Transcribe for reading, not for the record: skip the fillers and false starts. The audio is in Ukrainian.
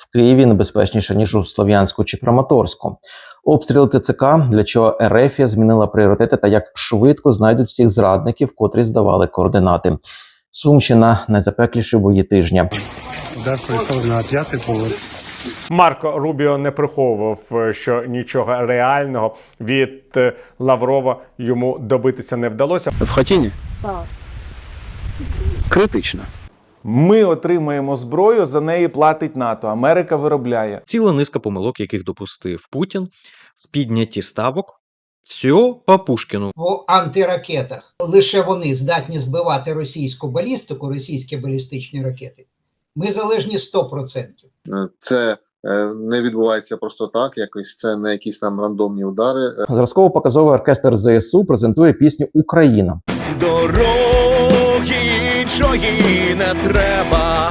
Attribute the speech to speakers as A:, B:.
A: В Києві небезпечніше, ніж у Слов'янську чи Краматорську. Обстріли ТЦК, для чого РФ змінила пріоритети та як швидко знайдуть всіх зрадників, котрі здавали координати. Сумщина – найзапекліші бої тижня.
B: Удар прийшов на 5-й поверх.
C: Марко Рубіо не приховував, що нічого реального від Лаврова йому добитися не вдалося.
D: В Хатіні? Так. Критично.
E: Ми отримаємо зброю, за неї платить НАТО. Америка виробляє.
F: Ціла низка помилок, яких допустив Путін в піднятті ставок. Все по Пушкіну.
G: По антиракетах. Лише вони здатні збивати російську балістику, російські балістичні ракети. Ми залежні 100%.
H: Це не відбувається просто так, якось це не якісь там рандомні удари.
A: Зразково-показовий оркестр ЗСУ презентує пісню «Україна».
I: Дороги іншої не треба,